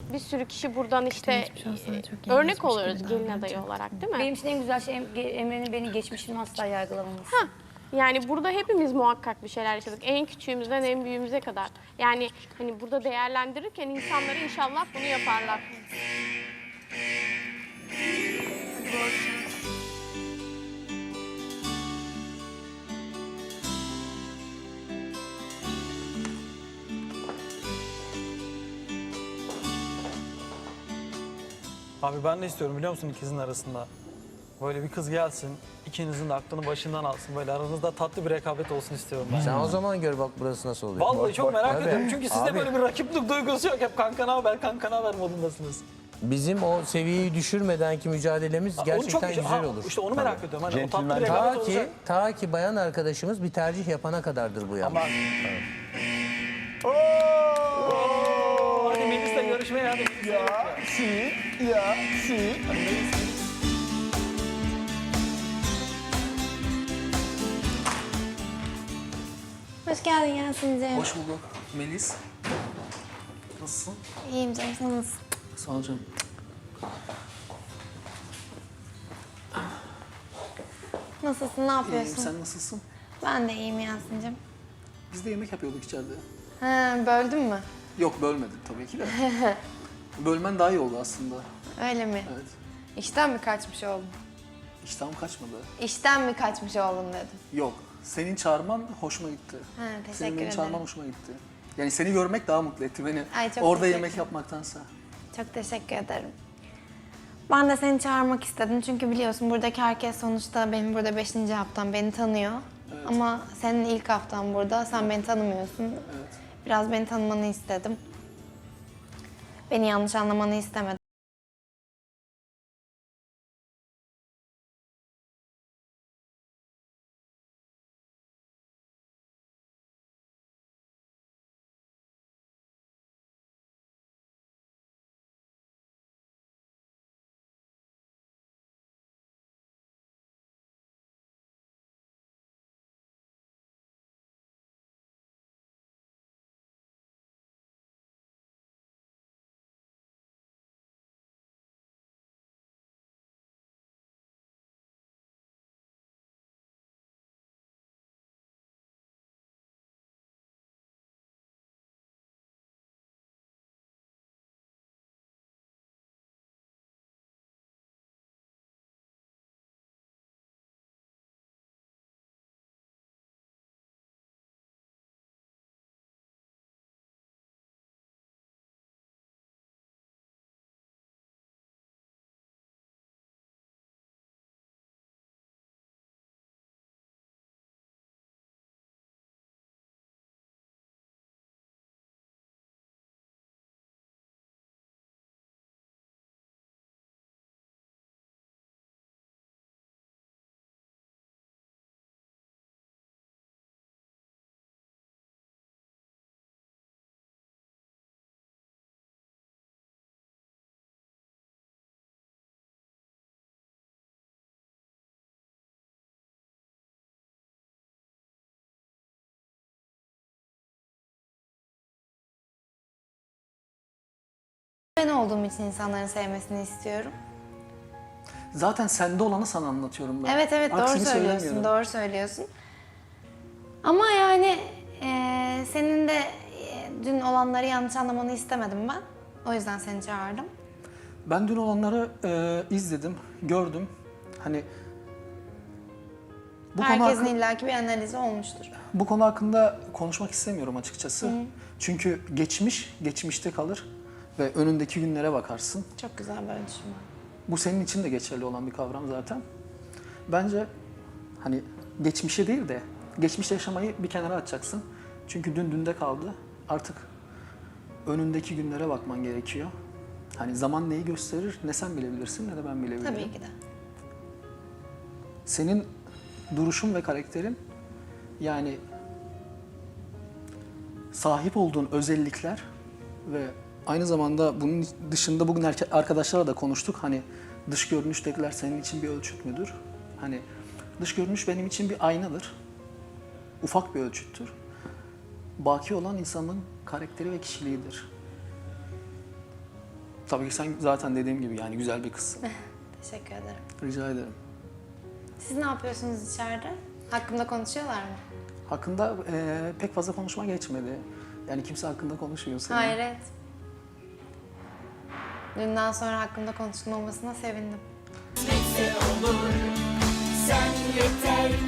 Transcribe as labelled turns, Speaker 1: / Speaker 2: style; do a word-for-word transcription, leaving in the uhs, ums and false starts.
Speaker 1: bir sürü kişi buradan işte
Speaker 2: geçmiş olsun,
Speaker 1: e,
Speaker 2: çok iyi
Speaker 1: örnek
Speaker 2: geçmiş
Speaker 1: oluyoruz
Speaker 2: gibi
Speaker 1: gelin
Speaker 2: davranacak.
Speaker 1: adayı olarak değil mi?
Speaker 3: Benim için en güzel şey Em- Emre'nin beni geçmişimi asla yargılamaması.
Speaker 1: Hah, yani burada hepimiz muhakkak bir şeyler yaşadık. En küçüğümüzden en büyüğümüze kadar. Yani hani burada değerlendirirken insanları inşallah bunu yaparlar.
Speaker 4: Abi ben de istiyorum biliyor musun ikizin arasında. Böyle bir kız gelsin, ikinizin de aklını başından alsın. Böyle aranızda tatlı bir rekabet olsun istiyorum ben.
Speaker 5: Sen o zaman gör bak burası nasıl oluyor.
Speaker 4: Vallahi çok merak
Speaker 5: Tabii.
Speaker 4: ediyorum çünkü sizde
Speaker 5: Abi,
Speaker 4: böyle bir rakiplik duygusu yok. Hep kanka haber, kanka haber modundasınız.
Speaker 5: bizim o seviyeyi düşürmedenki mücadelemiz
Speaker 4: Onu
Speaker 5: gerçekten
Speaker 4: çok-
Speaker 5: güzel
Speaker 4: Aa,
Speaker 5: olur.
Speaker 4: İşte onu merak ediyorum. Hani o tatlı bir
Speaker 6: Centilmen.
Speaker 4: rekabet
Speaker 5: Ta
Speaker 4: olacak.
Speaker 5: ki, ta ki bayan arkadaşımız bir tercih yapana kadardır bu
Speaker 4: Ama...
Speaker 5: yapmak.
Speaker 4: Oo! Hadi Melis'le görüşmeye hadi. Ya, si, ya, si.
Speaker 2: Hoş geldin Yasin'ciğim.
Speaker 7: Hoş bulduk. Melis. Nasılsın?
Speaker 2: İyiyim canım, sen nasılsın?
Speaker 7: Sağ ol canım.
Speaker 2: Nasılsın, ne
Speaker 7: İyiyim.
Speaker 2: yapıyorsun?
Speaker 7: Sen nasılsın?
Speaker 2: Ben de iyiyim Yasin'ciğim.
Speaker 7: Biz de yemek yapıyorduk içeride.
Speaker 2: Ha, böldün mü?
Speaker 7: Yok bölmedim tabii ki de. Bölmen daha iyi oldu aslında.
Speaker 2: Öyle mi?
Speaker 7: Evet.
Speaker 2: İşten mi kaçmış oldun?
Speaker 7: İştahım kaçmadı.
Speaker 2: İşten mi kaçmış oldun dedim.
Speaker 7: Yok. Senin çağırman hoşuma gitti.
Speaker 2: Ha, teşekkür
Speaker 7: Senin beni
Speaker 2: ederim.
Speaker 7: çağırman hoşuma gitti. Yani seni görmek daha mutlu etti beni.
Speaker 2: Ay, çok
Speaker 7: Orada
Speaker 2: teşekkür
Speaker 7: yemek yapmaktansa.
Speaker 2: Çok teşekkür ederim. Ben de seni çağırmak istedim çünkü biliyorsun buradaki herkes sonuçta benim burada beşinci haftam, beni tanıyor. Ama senin ilk haftan burada, sen beni tanımıyorsun.
Speaker 7: Evet.
Speaker 2: Biraz beni tanımanı istedim. Beni yanlış anlamanı istemedim. Ben olduğum için insanların sevmesini istiyorum.
Speaker 7: Zaten sende olanı sana anlatıyorum ben.
Speaker 2: Evet evet doğru
Speaker 7: Aksini
Speaker 2: söylüyorsun,
Speaker 7: söylemiyorum.
Speaker 2: doğru söylüyorsun. Ama yani eee, senin de eee, dün olanları yanlış anlamanı istemedim ben. O yüzden seni çağırdım.
Speaker 7: Ben dün olanları e, izledim, gördüm. Hani bu konu,
Speaker 2: Herkesin
Speaker 7: hakkı-
Speaker 2: illaki bir analizi olmuştur.
Speaker 7: bu konu hakkında konuşmak istemiyorum açıkçası. Çünkü geçmiş, geçmişte kalır ve önündeki günlere bakarsın.
Speaker 2: Çok güzel böyle düşünme.
Speaker 7: Bu senin için de geçerli olan bir kavram zaten. Bence hani geçmişe değil de geçmişte yaşamayı bir kenara atacaksın. Çünkü dün dünde kaldı. Artık önündeki günlere bakman gerekiyor. Hani zaman neyi gösterir ne sen bilebilirsin ne de ben bilebilirim.
Speaker 2: Tabii ki de.
Speaker 7: Senin duruşun ve karakterin yani sahip olduğun özellikler ve aynı zamanda bunun dışında bugün erke- arkadaşlarla da konuştuk. Hani dış görünüştekiler senin için bir ölçüt müdür? Hani dış görünüş benim için bir aynadır. Ufak bir ölçüttür. Baki olan insanın karakteri ve kişiliğidir. Tabii ki sen zaten dediğim gibi yani güzel bir kızsın.
Speaker 2: Teşekkür ederim.
Speaker 7: Rica ederim.
Speaker 2: Siz ne yapıyorsunuz içeride? Hakkımda konuşuyorlar mı?
Speaker 7: Hakkında e, pek fazla konuşma geçmedi. Yani kimse hakkında konuşuyor senin.
Speaker 2: Hayret. Dünden sonra hakkımda konuşulmamasına sevindim.
Speaker 6: Sen yeter